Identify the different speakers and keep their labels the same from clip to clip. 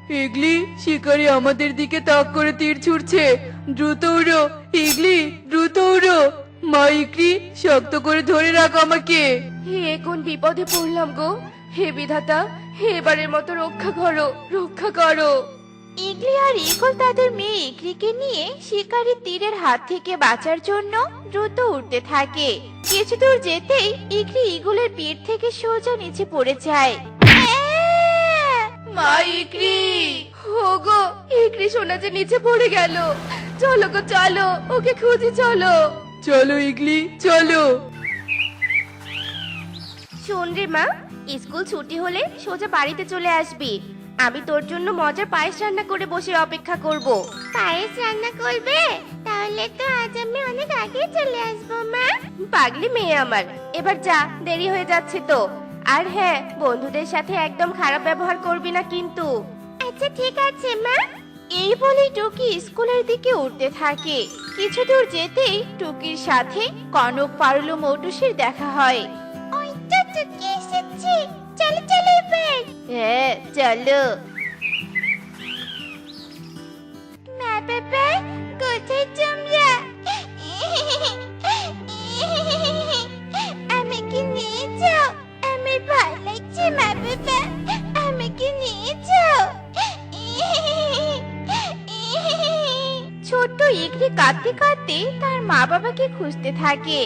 Speaker 1: ইগলি, শিকারি আমাদের দিকে তাক করে তীর ছুড়ছে। দ্রুত উড়ো ইগলি, দ্রুত উড়ো। মা ইগলি, শক্ত করে ধরে রাখ আমাকে।
Speaker 2: হে কোন বিপদে পড়লাম গো। হে বিধাতা, হে এবারের মতো রক্ষা করো, রক্ষা করো।
Speaker 3: ইগলি আর ইগল তাদের মেয়ে ইগলিকে নিয়ে শিকারীর তীরের হাত থেকে বাঁচার জন্য দ্রুত উঠতে থাকে। কিছু দূর যেতেই ইগলি ইগলের পিঠ থেকে সোজা নিচে পড়ে যায়।
Speaker 2: মা ইকরি, ওগো ইকরি সোনা যে নিচে পড়ে গেল। চলো গো চলো, ওকে খুঁজি চলো।
Speaker 1: চলো ইগলি, চলো।
Speaker 2: শোন রে মা, স্কুল ছুটি হলে সোজা বাড়িতে চলে আসবি। আমি তোর জন্য মজার পায়েস রান্না করে বসে অপেক্ষা করব।
Speaker 3: পায়েস রান্না করবে? তাহলে তো আজ আমি অনেক আগে চলে আসবো মা।
Speaker 2: পাগলি মেয়ে আমার, এবার যা, দেরি হয়ে যাচ্ছে তো। আর হ্যাঁ, বন্ধুদের সাথে একদম খারাপ ব্যবহার করবি না কিন্তু।
Speaker 3: আচ্ছা ঠিক আছে মা। এই বলে টুকি স্কুলের দিকে উঠতে থাকে। কিছু দূর যেতেই টুকির সাথে কনক, পারুল ও মৌটুসির দেখা হয়। ওই তো টুকি এসেছে, চলো চলো এবার।
Speaker 2: হ্যাঁ চলো।
Speaker 3: মা বাবা, কোথায় তোমরা? আমাকে নিয়ে যাও, আমার ভয় লাগছে। মা বাবা, আমাকে নিয়ে যাও। ছোট্ট ইগলি কাঁদতে কাঁদতে তার মা বাবাকে খুঁজতে থাকে।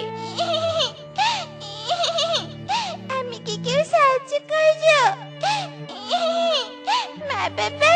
Speaker 3: আমি কি কেউ সাহায্য করো? মা বাবা,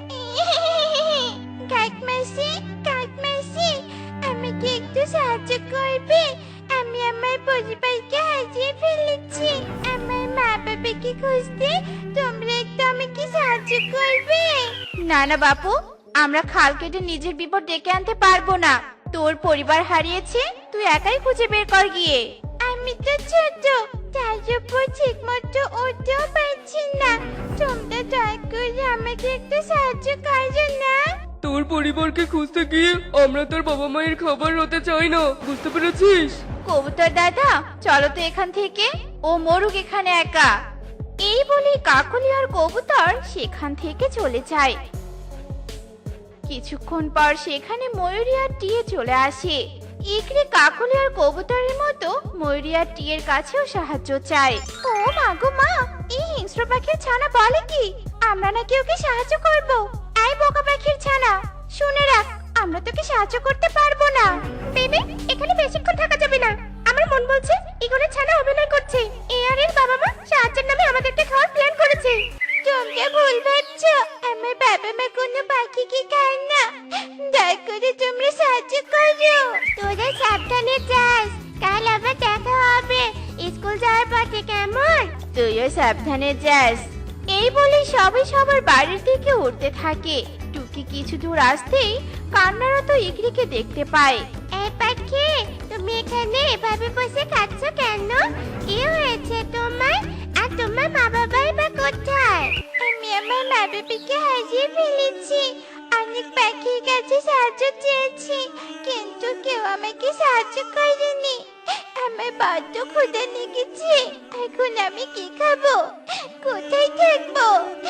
Speaker 3: কাকমাসি, কাকমাসি, আমাকে একটু সাহায্য করবে? আমি আমার পরিবারকে হারিয়ে ফেলেছি। আমার মা বাবাকে খুঁজতে তোমরা একটু আমাকে সাহায্য করবে? না না বাপু, আমরা খাল কেটে নিজের বিপদ ডেকে আনতে পারবো না। তোর পরিবার হারিয়েছে, তুই একাই খুঁজে বের কর গিয়ে। আমি তো ছোট, তার উপর ঠিক মতো উঠতেও পারছি না। তোমরা দয়া করে আমাকে একটু সাহায্য করো না।
Speaker 1: তোর পরিবারকে খুঁজতে গিয়ে আমরা তোর বাবা মায়ের খাবার হতে চাই না, বুঝতে পেরেছিস?
Speaker 3: কবুতর দাদা, চলো তো এখান থেকে, ও মরুক এখানে একা। এই বলে কাকলি আর কবুতর সেখান থেকে চলে যায়। কিছুক্ষণ পর সেখানে ময়ূরী আর টিয়ে চলে আসে। ইকরি কাকলি আর কবুতরের মতো ময়ূরী আর টিয়ের কাছেও সাহায্য চায়। ও মা গো মা, এই হিংস্র পাখির ছানা বলে কি আমরা নাকি ওকে সাহায্য করব? এই বোকা পাখির ছানা, শুনে রাখ, আমরা তোকে সাহায্য করতে পারবো না। বেবি, এখানে বেশিক্ষণ থাকা যাবে না। আমার মন বলছে ইগলের ছানা অভিনয় করছে। এ আর এর বাবা মা সাহায্যের নামে আমাদেরকে খাওয়ার প্ল্যান করেছে। তোমরা ভুল ভাবছো, আমার বাবা মা কোনো পাখিকে খায় না। দয়া করে তোমরা সাহায্য করো। তোরা সাবধানে যাস, কাল আবার দেখা হবে স্কুল যাওয়ার পথে, কেমন? তুইও সাবধানে যাস। এই বলে সবাই সবার বাড়ির দিকে উঠতে থাকে। টুকি কিছু দূর আসতেই কান্নারত ইগরিকে দেখতে পায়। এই পাখি, তুমি এখানে এভাবে বসে কাঁদছো কেন? কি হয়েছে তোমার? আর তোমার মা বাবাই বা কোথায়? আমি আমার মা বাবাকে হারিয়ে ফেলেছি। অনেক পাখির কাছে সাহায্য চেয়েছি, কিন্তু কেউ আমাকে সাহায্য করেনি। আমার বড্ড ক্ষুধা লেগেছে, এখন আমি কি খাবো? কোথায় থাকবো?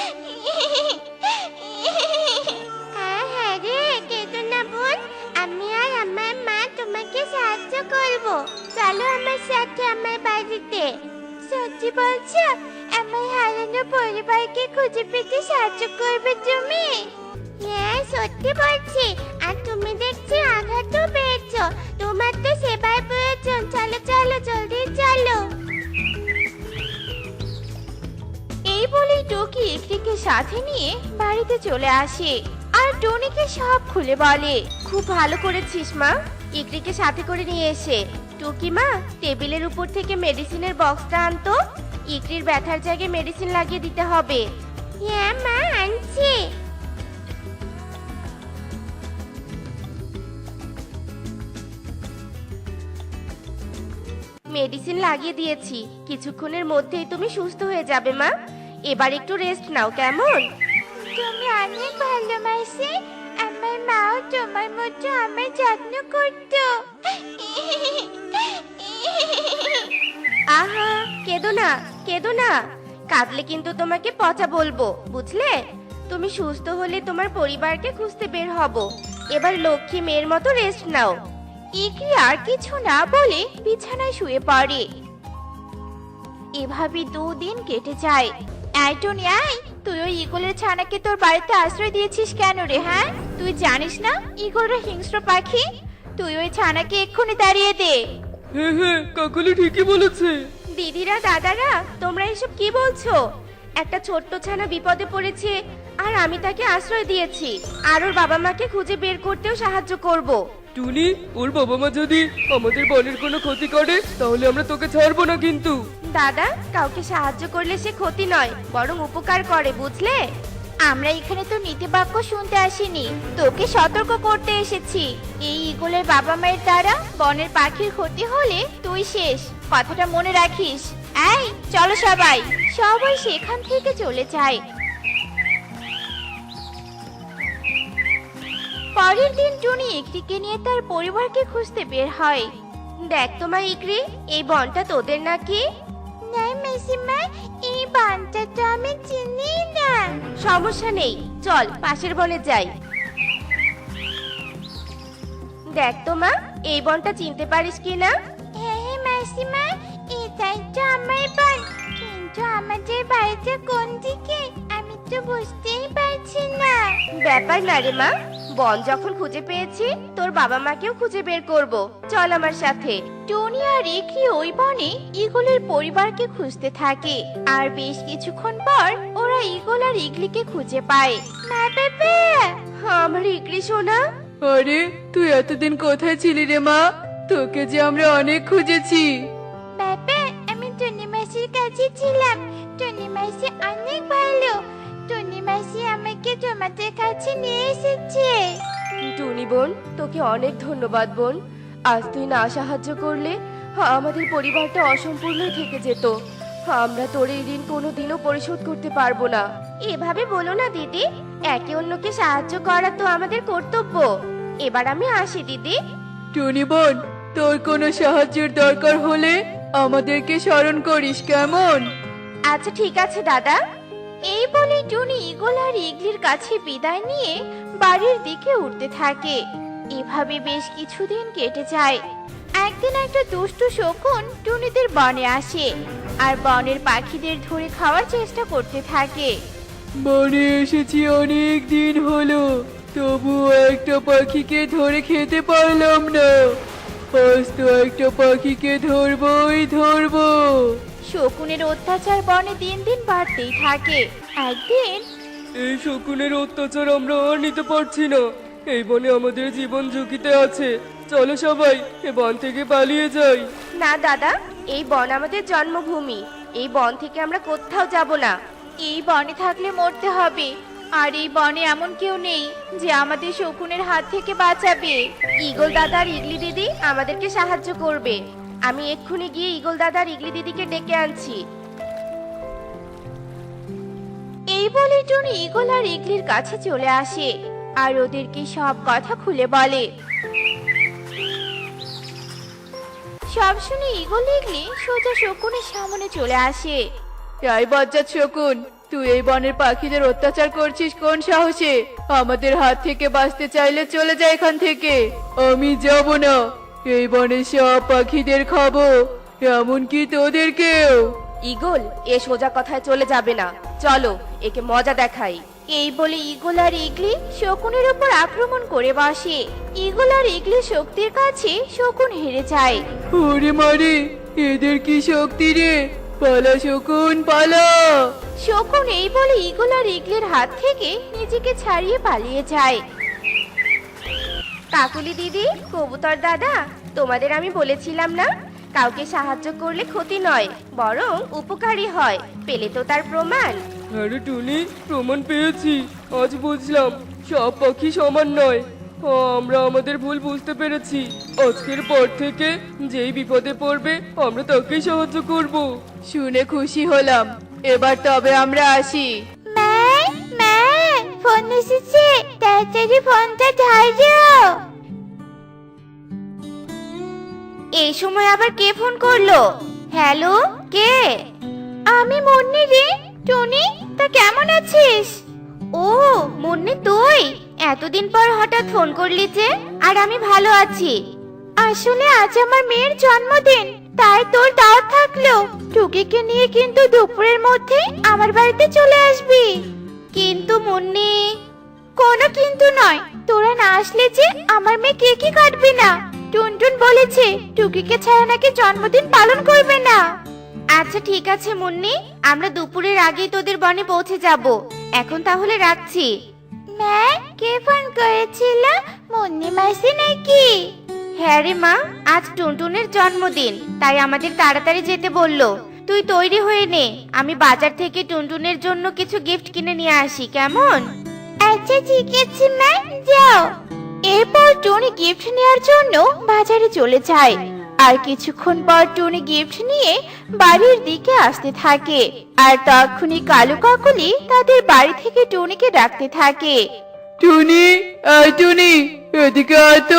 Speaker 3: হ্যাঁ হ্যাঁ রে, কেঁদো না বোন, আমি আর আমার মা তোমাকে সাহায্য করবো। চলো আমার সাথে আমার বাড়িতে। সত্যি বলছো? আমার হারানো পরিবারকে খুঁজে পেতে সাহায্য করবে তুমি? হ্যাঁ সত্যি বলছি। আর তুমি দেখছি আঘাতও পেয়েছো, তোমার তো সেবার প্রয়োজন। চলো চলো, জলদি চলো। এই বলেই টুকি ইকরিকে সাথে নিয়ে বাড়িতে চলে আসে আর টনিকে সব খুলে বলে।
Speaker 2: খুব ভালো করেছিস মা, ইকরিকে সাথে করে নিয়ে এসে। টুকি মা, টেবিলের উপর থেকে মেডিসিনের বক্সটা আনতো। ইকরির ব্যথার জায়গায় মেডিসিন লাগিয়ে দিতে হবে।
Speaker 3: হ্যাঁ মা, আনছি।
Speaker 2: মেডিসিন লাগিয়ে দিয়েছি, কিছুক্ষণের মধ্যেই তুমি সুস্থ হয়ে যাবে মা। এবার একটু রেস্ট নাও, কেমন?
Speaker 3: তুমি অনেক ভালোবাসে। আমার মাও তোমার মতো আমার যত্ন করতো।
Speaker 2: আহা, কেঁদো না, কেঁদো না। কাঁদলে কিন্তু তোমাকে পচা বলবো, বুঝলে? তুমি সুস্থ হলে তোমার পরিবারকে খুঁজতে বের হব। এবার লক্ষ্মী মেয়ের মতো রেস্ট নাও।
Speaker 3: ইকরি আর কিছু না বলে বিছানায় শুয়ে পড়ে। এভাবে 2 দিন কেটে যায়। এই টুনি, আয়, তুই ওই ঈগলের ছানাকে তোর বাড়িতে আশ্রয় দিয়েছিস কেন রে? হ্যাঁ, তুই জানিস না ঈগলরা হিংস্র পাখি? তুই ওই ছানাকে এক্ষুনি তাড়িয়ে দে।
Speaker 1: হ্যাঁ হ্যাঁ, কাকলি ঠিকই বলেছে।
Speaker 2: দিদিরা, দাদারা, তোমরা এসব কি বলছো? একটা ছোট্ট ছানা বিপদে পড়েছে আর আমি তাকে আশ্রয় দিয়েছি, আর ওর বাবা মাকে খুঁজে বের করতেও সাহায্য করব।
Speaker 1: টুনি, ওর বাবা মা যদি আমাদের বনের কোনো ক্ষতি করে তাহলে আমরা তোকে ছাড়বো না কিন্তু।
Speaker 2: দাদা, কাউকে সাহায্য করলে সে ক্ষতি নয়, বরং উপকার করে, বুঝলে?
Speaker 3: আমরা এখানে তো নীতি বাক্য শুনতে আসিনি, তোকে সতর্ক করতে এসেছি। এই ঈগলের বাবা মায়ের দ্বারা বনের পাখির ক্ষতি হলে তুই শেষ, কথাটা মনে রাখিস। এই চলো সবাই। সবাই সেখান থেকে চলে যায়। পরের দিন টুনি ইকরিকে নিয়ে তার পরিবারকে খুঁজতে বের হয়।
Speaker 2: দেখ তো মা ইকরি, এই বনটা তোদের নাকি?
Speaker 3: না মাসিমা, এই বানটা তো আমি চিনি না।
Speaker 2: সমস্যা নেই, চল পাশের বনে যাই। দেখ তো মা, এই বনটা চিনতে পারিস কিনা?
Speaker 3: হ্যাঁ হ্যাঁ মাসিমা, এটাই তো আমার বন, কিন্তু আমাদের বাড়িটা কোন দিকে আমি তো বুঝতেই পারছি না।
Speaker 2: ব্যাপার না রে মা, বন যখন খুঁজে পেয়েছি তোর বাবা মাকেও খুঁজে বের করব, চল আমার সাথে।
Speaker 3: টনি আর ইকরি ওই বনে ঈগলের পরিবারকে খুঁজতে থাকে, আর বেশ কিছুক্ষণ পর ওরা ঈগল আর ইগলিকে খুঁজে পায়। মা বাবা,
Speaker 2: আমার ইকরি সোনা।
Speaker 1: আরে, তুই এতদিন কোথায় ছিলি রে মা? তোকে যে আমরা অনেক খুঁজেছি।
Speaker 3: বাবা, আমি টনি মাসির কাছে ছিলাম। টনি মাসি অনেক ভালো। টনি মাসি আমাকে তোমাদের কাছে নিয়ে এসেছে।
Speaker 2: টুনি বোন, তোকে অনেক ধন্যবাদ বোন। আজ তুই না সাহায্য করলে আমাদের পরিবারটা অসম্পূর্ণই থেকে যেত। আমরা তোর এই ঋণ কোনোদিনও পরিশোধ করতে পারবো না। এভাবে বলো না দিদি, একে অন্যকে সাহায্য করা তো আমাদের কর্তব্য। এবার আমি আসি দিদি।
Speaker 1: টুনি বোন, তোর কোনো সাহায্যের দরকার হলে আমাদেরকে স্মরণ করিস, কেমন?
Speaker 2: আচ্ছা ঠিক আছে দাদা।
Speaker 3: এই বলে টুনি ঈগল আর ইগলির কাছে বিদায় নিয়ে বাড়ির দিকে উঠতে থাকে। এভাবে বেশ কিছুদিন কেটে যায়। একদিন একটা দুষ্টু শকুন টুনিদের বনে আসে আর বনের পাখিদের ধরে খাওয়ার চেষ্টা করতে থাকে।
Speaker 1: বনে এসেছি অনেক দিন হলো, তবুও একটা পাখিকে ধরে খেতে পারলাম না। আজ তো একটা পাখিকে ধরবো।
Speaker 3: শকুনের অত্যাচার বনে দিন দিন বাড়তেই থাকে। একদিন
Speaker 1: এই শকুনের অত্যাচার আমরা আর নিতে পারছি না। এই বনে আমাদের জীবন ঝুঁকিতে আছে। চলো সবাই এ বন থেকে পালিয়ে যাই।
Speaker 2: না দাদা, এই বন আমাদের জন্মভূমি। এই বন থেকে আমরা কোথাও যাব না।
Speaker 3: এই বনে থাকলে মরতে হবে, আর এই বনে এমন কেউ নেই যে আমাদের শকুনের হাত থেকে বাঁচাবে।
Speaker 2: ঈগল দাদা আর ইগলি দিদি আমাদেরকে সাহায্য করবে। আমি এক্ষুনি গিয়ে ঈগল দাদা আর ইগলি দিদিকে ডেকে আনছি।
Speaker 3: এই বলে টুনি ঈগল আর ইগলির কাছে চলে আসে আর ওদেরকে সব কথা খুলে বলে। সব শুনে ঈগল ইগলি সোজা শকুনের সামনে চলে আসে।
Speaker 1: এই বজ্জাত শকুন, তুই এই বনের পাখিদের অত্যাচার করছিস কোন সাহসে? আমাদের হাত থেকে বাঁচতে চাইলে চলে যা এখান থেকে। আমি যাব না। এই বনের সব পাখিদের খাবো, এমনকি তোদেরকেও।
Speaker 2: ঈগল, এ সোজা কথায় চলে যাবে না, চলো একে মজা দেখাই।
Speaker 3: এই বলে ঈগল আর ইগলি শকুনের উপর আক্রমণ করে বসে। ঈগল আর ইগলির শক্তির কাছে শকুন হেরে যায়।
Speaker 1: ওরে মারে, এদের কি শক্তি রে! পালা শকুন, পালা!
Speaker 3: শকুন এই বলে ঈগল আর ইগলির হাত থেকে নিজেকে ছাড়িয়ে পালিয়ে যায়।
Speaker 2: কাকুলি দিদি, কবুতর দাদা, তোমাদের আমি বলেছিলাম না, কাউকে সাহায্য করলে ক্ষতি নয় বরং উপকারী হয়। পেলে তো তার প্রমাণ।
Speaker 1: আরে টুনি, প্রমাণ পেয়েছি। আজ বুঝলাম সব পাখি সমান নয়। আমরা আমাদের ভুল বুঝতে পেরেছি। আজকের পর থেকে যেই বিপদে পড়বে আমরা তাকেই সাহায্য করব। শুনে খুশি হলাম। এবার তবে আমরা আসি।
Speaker 3: মা, মা, ফোন এসেছে, তাড়াতাড়ি ফোনটা ধরো।
Speaker 2: এই সময় আবার কে ফোন করলো? হ্যালো, কে?
Speaker 3: আমি মুন্নি রে। টনি, তা কেমন আছিস? ও মুন্নি, তুই এতদিন পর হঠাৎ ফোন করলি যে? আর আমি ভালো আছি। আসলে আজ আমার মেয়ের জন্মদিন, তাই তোর দাওয়াত থাকলো। টুকিকে নিয়ে কিন্তু দুপুরের মধ্যে আমার বাড়িতে চলে আসবি। কিন্তু মুন্নি, কোনো কিন্তু নয়। তোরা না আসলে যে আমার মেয়ে কেকই কাটবে না। টুনটুন বলেছে টুকিকে ছাড়া নাকি জন্মদিন পালন করবে না। আচ্ছা ঠিক আছে মুন্নি, আমরা দুপুরের আগেই তোদের বনে পৌঁছে যাব। এখন তাহলে রাখছি। মা, কে ফোন করেছিল? মুন্নি মাসি নাকি? হ্যাঁ রে মা, আজ টুনটুনের জন্মদিন, তাই আমাদের তাড়াতাড়ি যেতে বললো। তুই তৈরি হয়ে নে, আমি বাজার থেকে টুনটুনের জন্য কিছু গিফট কিনে নিয়ে আসি, কেমন? আচ্ছা ঠিক আছে মা, যাও। এরপর টুনি গিফট নেওয়ার জন্য বাজারে চলে যায়। আর কিছুক্ষণ পর টুনি গিফট নিয়ে বাড়ির দিকে আসতে থাকে। আর তখনই কালু কাকলি তাদের বাড়ি থেকে টুনিকে ডাকতে থাকে।
Speaker 1: টুনি, আয় টুনি, এদিকে আয় তো।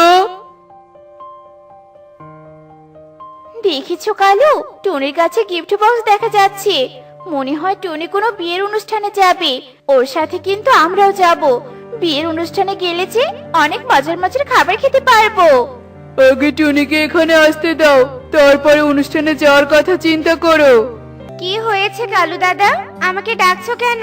Speaker 3: দেখেছো কালু, টুনির কাছে গিফট বক্স দেখা যাচ্ছে। মনে হয় টুনি কোনো বিয়ের অনুষ্ঠানে যাবে। ওর সাথে কিন্তু আমরাও যাব। বিয়ের অনুষ্ঠানে গেলে যে অনেক মজার মজার খাবার খেতে পারবো।
Speaker 1: আগে টুনিকে এখানে আসতে দাও, তারপরে অনুষ্ঠানে যাওয়ার কথা চিন্তা করো।
Speaker 3: কি হয়েছে কালু দাদা, আমাকে ডাকছো কেন?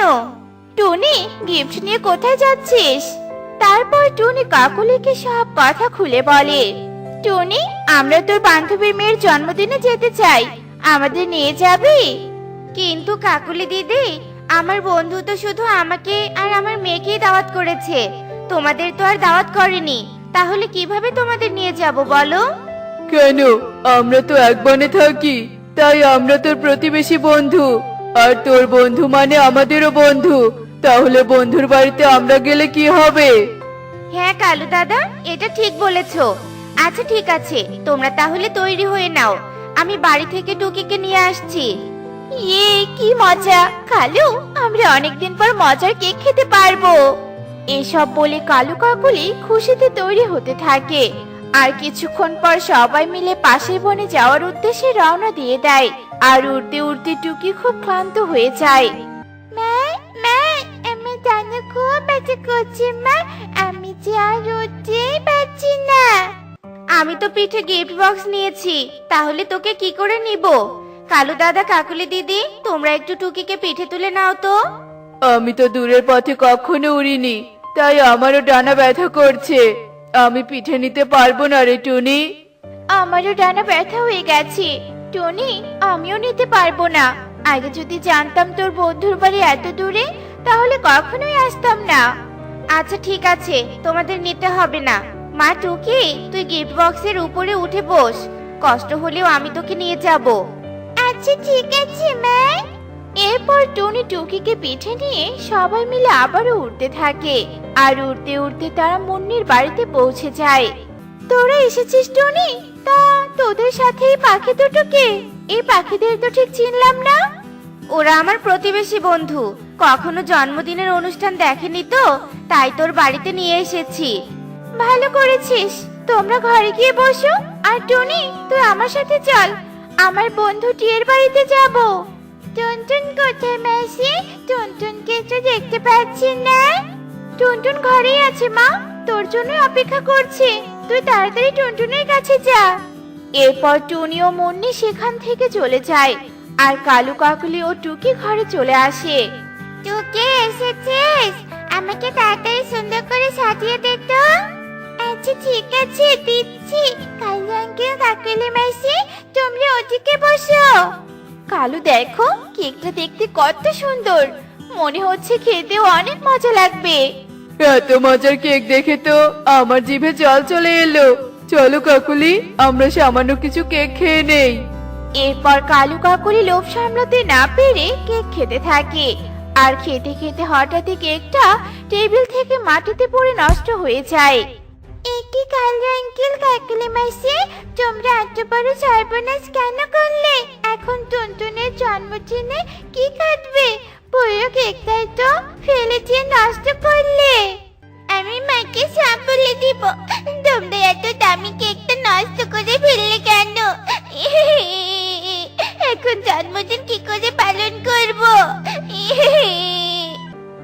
Speaker 3: টুনি, গিফট নিয়ে কোথায় যাচ্ছিস? তারপর টুনি কাকুলিকে সব কথা খুলে বলে। টুনি, আমরা তোর বান্ধবীর মেয়ের জন্মদিনে যেতে চাই, আমাদের নিয়ে যাবি? কিন্তু কাকুলি দিদি, আমার বন্ধু তো শুধু আমাকে আর আমার মেয়েকেই দাওয়াত করেছে, তোমাদের তো আর দাওয়াত করেনি। তাহলে কিভাবে তোমাদের নিয়ে যাব বলো?
Speaker 1: কেন, আমরা তো এক বনে থাকি, তাই আমরা তোর প্রতিবেশী বন্ধু। আর তোর বন্ধু মানে আমাদেরও বন্ধু। তাহলে বন্ধুর বাড়িতে আমরা গেলে কি হবে?
Speaker 3: হ্যাঁ কালু দাদা, এটা ঠিক বলেছো। আচ্ছা ঠিক আছে, তোমরা তাহলে তৈরি হয়ে নাও, আমি বাড়ি থেকে টুকিকে নিয়ে আসছি। ইয়ে, কি মজা! কালু, আমরা অনেকদিন পর মজার কেক খেতে পারবো। এসব বলে কালু কাকুলি খুশিতে তৈরি হতে থাকে। আর কিছুক্ষণ পর সবাই মিলে পাশের বনে যাওয়ার উদ্দেশ্যে রওনা দিয়ে দেয়। আর উড়তে উড়তে টুকি খুব ক্লান্ত হয়ে যায়। মা, মা, আমি জানো খুব ব্যথা করছে মা, আমি যে আর উঠতেই পারছি না। আমি তো পিঠে গিফট বক্স নিয়েছি, তাহলে তোকে কি করে নিব? কালু দাদা, কাকুলি দিদি, তোমরা একটু টুকিকে পিঠে তুলে নাও তো।
Speaker 1: আমি তো দূরের পথে কখনো উড়িনি, তাই আমারও ডানা ব্যথা করছে। আমি পিঠে নিতে পারবো না রে টুনি।
Speaker 3: আমারও ডানা ব্যথা হয়ে গেছে টনি, আমিও নিতে পারবো না। আগে যদি জানতাম তোর বন্ধুর বাড়ি এত দূরে, তাহলে কখনোই আসতাম না। আচ্ছা ঠিক আছে, তোমাদের নিতে হবে না। মা টুকি, তুই গিফট বক্সের উপরে উঠে বস, কষ্ট হলেও আমি তোকে নিয়ে যাব। আচ্ছা ঠিক আছে মা। এরপর টনি টুকিকে পিঠে নিয়ে সবাই মিলে আবারও উঠতে থাকে। আর উড়তে উড়তে তারা মুন্নির বাড়িতে পৌঁছে যায়। তোরা এসেছিস টনি? তা তোদের সাথে এই পাখি দুটোকে? এই পাখিদের তো ঠিক চিনলাম না। ওরা আমার প্রতিবেশী বন্ধু, কখনো জন্মদিনের অনুষ্ঠান দেখেনি তো, তাই তোর বাড়িতে নিয়ে এসেছি। ভালো করেছিস, তোমরা ঘরে গিয়ে বসো। আর টনি, তুই আমার সাথে চল, আমার বন্ধু টিয়ের বাড়িতে যাব। টুনটুন কোথায় মাসি? টুনটুনকে তো দেখতে পাচ্ছি না। টুনটুন ঘরেই আছে মা, তোর জন্য অপেক্ষা করছে। তুই তাড়াতাড়ি টুনটুনের কাছে যা। এরপর টুনি ও মুন্নি সেখান থেকে চলে যায়। আর কালু কাকুলি ও টুকি ঘরে চলে আসে। টুকি, এসেছিস? আমাকে তাড়াতাড়ি সুন্দর করে সাজিয়ে দে তো। আচ্ছা ঠিক আছে, দিচ্ছি। কালু আঙ্কেল, কাকুলি মাসি, তোমরা ওদিকে বসো। কালু দেখো, কেকটা দেখতে কত সুন্দর, মনে হচ্ছে খেতেও অনেক মজা লাগবে।
Speaker 1: এত মজার কেক দেখে তো আমার জিভে জল চলে এলো। চলো কাকুলি, আমরা সামান্য কিছু কেক খেয়ে নেই।
Speaker 3: এরপর কালু কাকুলি লোভ সামলাতে না পেরে কেক খেতে থাকে। আর খেতে খেতে হঠাৎই কেকটা টেবিল থেকে মাটিতে পড়ে নষ্ট হয়ে যায়। একি কালু আঙ্কেল, কাকুলি মাসি, তোমরা এত বড় সর্বনাশ কেন করলে? এখন টুনটুনের জন্মদিনে কি কাটবে? পুরো কেকটাই তো ফেলে দিয়ে নষ্ট করলে। আমি মাকে সব বলে দিব, তোমরা এত দামি কেকটা নষ্ট করে ফেললে কেন? এখন জন্মদিন কি করে পালন করব? কি হয়েছে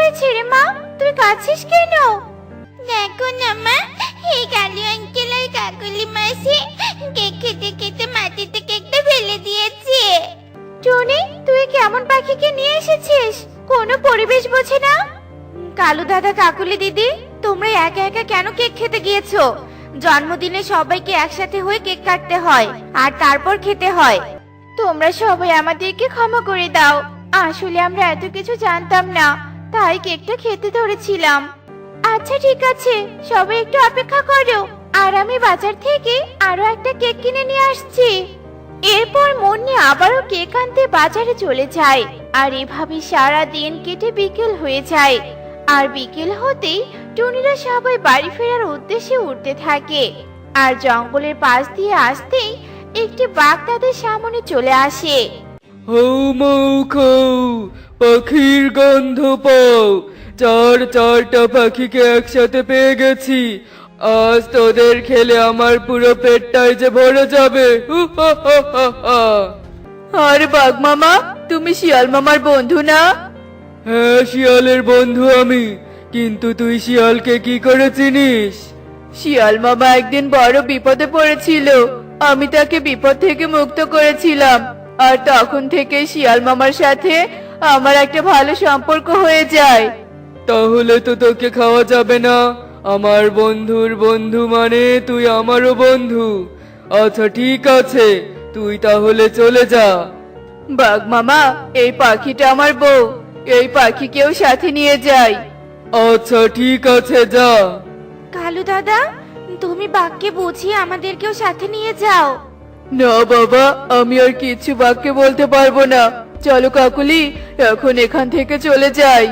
Speaker 3: হয়েছে রে মা, তুই কাঁদছিস কেন? দেখো না মা, এই কালু আঙ্কেল আর কাকুলি মাসি কেক খেতে খেতে মাটিতে কেকটা ফেলে দিয়েছে। টনি, তুই কেমন পাখিকে নিয়ে এসেছিস? কোনো পরিবেশ বোঝে না। কালু দাদা, কাকুলি দিদি, তোমরা একা একা কেন কেক খেতে গিয়েছো? জন্মদিনে সবাইকে একসাথে হয়ে কেক কাটতে হয় আর তারপর খেতে হয়। তোমরা সবাই আমাদেরকে ক্ষমা করে দাও, আসলে আমরা এত কিছু জানতাম না, তাই কেকটা খেতে ধরেছিলাম। আচ্ছা ঠিক আছে, সবাই একটু অপেক্ষা করো, আর আমি বাজার থেকে আরো একটা কেক কিনে নিয়ে আসছি। এরপর মুন্নি আবারও কেক আনতে বাজারে চলে যায়, আর এভাবে সারা দিন কেটে বিকেল হয়ে যায়। আর বিকেল হতেই টুনিরা সবাই বাড়ি ফেরার উদ্দেশ্যে উঠতে থাকে। আর জঙ্গলের পাশ দিয়ে আসতেই একটি বাঘ তাদের সামনে চলে আসে।
Speaker 1: হৌ মৌ খৌ, পাখির গন্ধ পাও। চারটা পাখিকে একসাথে পেয়ে গেছি। আজ তোদের খেলে আমার পুরো পেটটাই যে ভরে যাবে। হু হা হা হা হা।
Speaker 2: আরে বাঘ মামা, তুমি শিয়াল মামার বন্ধু না?
Speaker 1: হ্যাঁ, শিয়ালের বন্ধু আমি। কিন্তু তুই শিয়ালকে কি করে চিনিস?
Speaker 2: শিয়াল মামা একদিন বড় বিপদে পড়েছিল, আমি তাকে বিপদ থেকে মুক্ত করেছিলাম, আর তখন থেকে শিয়াল মামার সাথে আমার একটা ভালো সম্পর্ক হয়ে যায়।
Speaker 1: তাহলে তো তোকে খাওয়া যাবে না। আমার বন্ধুর বন্ধু মানে তুই আমারও বন্ধু। আচ্ছা ঠিক আছে, তুই তাহলে চলে যা।
Speaker 2: বাঘ মামা, এই পাখিটা আমার বউ, এই পাখিকেও সাথে নিয়ে যাই।
Speaker 1: আচ্ছা ঠিক আছে, যা।
Speaker 3: কালু দাদা, তুমি বাঘকে বুঝিয়ে আমাদেরকেও সাথে নিয়ে যাও।
Speaker 2: না বাবা, আমি আর কিছু বাঘকে বলতে পারবো না। চলো কাকুলি, এখন এখান থেকে চলে যাই।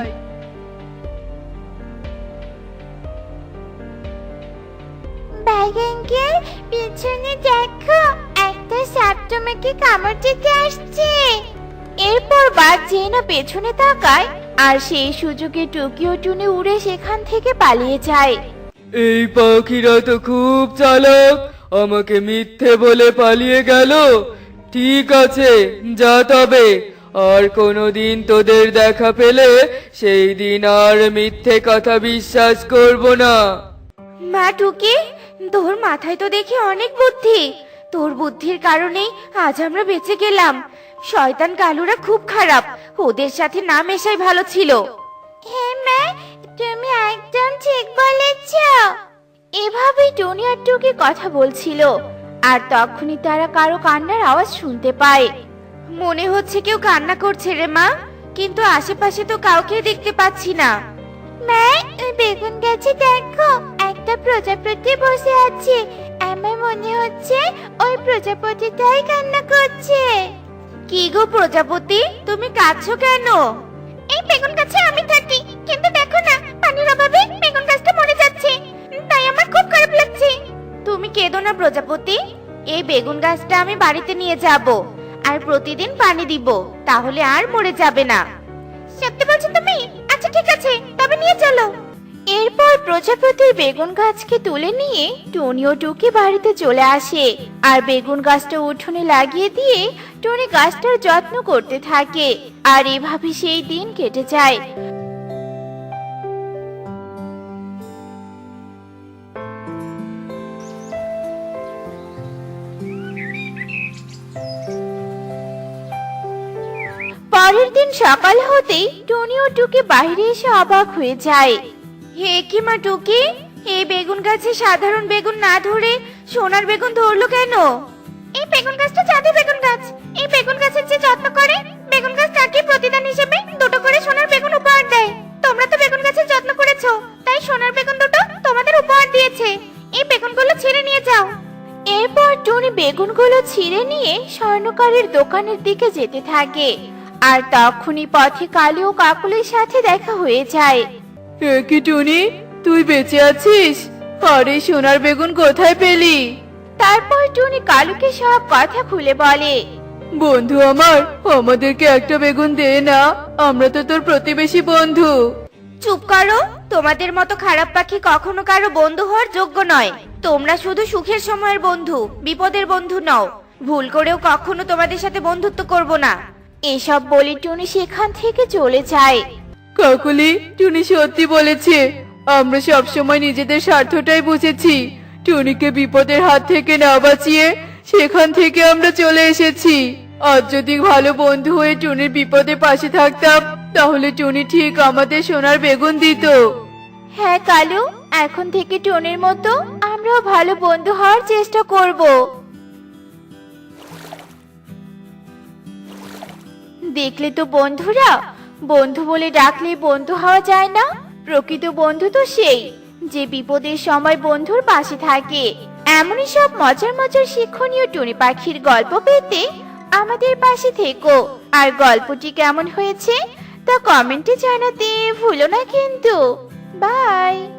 Speaker 3: বাঘ আঙ্কেল, পিছনে দেখো, একটা সাপ তোমাকে কামড় দিতে আসছে। এরপর বাঘ যেই না পেছনে তাকায়, আর সেই সুযোগে টুকি ও টুনি উড়ে সেখান থেকে পালিয়ে যায়।
Speaker 1: এই পাখিরা তো খুব চালাক, আমাকে মিথ্যে বলে পালিয়ে গেল। ঠিক আছে, যা তবে। আর কোনোদিন তোদের দেখা পেলে সেই দিন আর মিথ্যে কথা বিশ্বাস করব না।
Speaker 3: মা টুকি, তোর মাথায় তো দেখি অনেক বুদ্ধি। তোর বুদ্ধির কারণেই আজ আমরা বেঁচে গেলাম। শয়তান কালুরা খুব খারাপ, ওদের সাথে না মেশাই ভালো ছিল। হ্যাঁ মা, তুমি একদম ঠিক বলেছ। এভাবেই টনি আর টুকি কথা বলছিল, আর তখনই তারা কারো কান্নার আওয়াজ শুনতে পায়। মনে হচ্ছে কেউ কান্না করছে রে মা, কিন্তু আশেপাশে তো কাউকে দেখতে পাচ্ছি না। মা, ওই বেগুন গাছে দেখো, একটা প্রজাপতি বসে আছে। আমার মনে হচ্ছে ওই প্রজাপতিটাই কান্না করছে। কি গো প্রজাপতি, তুমি কাঁদছো কেন? এই বেগুন গাছে আমি থাকি, কিন্তু দেখো না, পানির অভাবে বেগুন গাছটা মরে যাচ্ছে, তাই আমার খুব খারাপ লাগছে। তুমি কেঁদো না প্রজাপতি, এই বেগুন গাছটা আমি বাড়িতে নিয়ে যাব, আর প্রতিদিন পানি দিব, তাহলে আর মরে যাবে না। সত্যি বলছো তুমি? আচ্ছা ঠিক আছে, তবে নিয়ে চলো। এরপর প্রজাপতির বেগুন গাছকে তুলে নিয়ে টনি ও টুকি বাড়িতে চলে আসে, আর বেগুন গাছটা উঠোনে লাগিয়ে দিয়ে টনি গাছটার যত্ন করতে থাকে। আর এভাবে সেই দিন কেটে যায়। পরের দিন সকাল হতেই টনি ও টুকি বাইরে এসে অবাক হয়ে যায়। হে কি মা টুকি, এই বেগুন গাছে সাধারণ বেগুন না ধরে সোনার বেগুন ধরলো কেন? এই বেগুন গাছটা জাদু বেগুন গাছ। এই বেগুন গাছের যে যত্ন করে, বেগুন গাছ তাকে প্রতিদান হিসেবে দুটো করে সোনার বেগুন উপহার দেয়। তোমরা তো বেগুন গাছের যত্ন করেছো, তাই সোনার বেগুন দুটো তোমাদের উপহার দিয়েছে। এই বেগুনগুলো ছিঁড়ে নিয়ে যাও। এরপর টুনি বেগুনগুলো ছিঁড়ে নিয়ে স্বর্ণকারের দোকানের দিকে যেতে থাকে, আর তখনই পথে কালী ও কাকুলির সাথে দেখা হয়ে যায়।
Speaker 2: কি টুনি, তুই বেঁচে আছিস? আরে সোনার বেগুন কোথায় পেলি?
Speaker 3: তারপর টুনি কালুকে সব কথা খুলে বলে।
Speaker 2: বন্ধু আমার, আমাদেরকে একটা বেগুন দে না, আমরা তো তোর প্রতিবেশী বন্ধু।
Speaker 3: চুপ করো, তোমাদের মতো খারাপ পাখি কখনো কারো বন্ধু হওয়ার যোগ্য নয়। তোমরা শুধু সুখের সময়ের বন্ধু, বিপদের বন্ধু নও। ভুল করেও কখনো তোমাদের সাথে বন্ধুত্ব করব না। এসব বলে টুনি সেখান থেকে চলে যায়।
Speaker 4: কাকুলি, টুনি সত্যি বলেছে। আমরা সবসময় নিজেদের স্বার্থটাই বুঝেছি। টুনিকে বিপদের হাত থেকে না বাঁচিয়ে সেখান থেকে আমরা চলে এসেছি। আজ যদি ভালো বন্ধু হয়ে টুনির বিপদে পাশে থাকতাম, তাহলে টুনি ঠিক আমাদের সোনার বেগুন দিত।
Speaker 3: হ্যাঁ কালু, এখন থেকে টুনির মতো আমরাও ভালো বন্ধু হওয়ার চেষ্টা করব। দেখলে তো বন্ধুরা, বন্ধু বলে ডাকলে বন্ধু হওয়া যায় না। প্রকৃত বন্ধু তো সেই যে বিপদের সময় বন্ধুর পাশে থাকে। এমনই সব মজার মজার শিক্ষণীয় টুনি পাখির গল্প পেতে আমাদের পাশে থেকো। আর গল্পটি কেমন হয়েছে তা কমেন্টে জানাতে ভুলো না কিন্তু। বাই।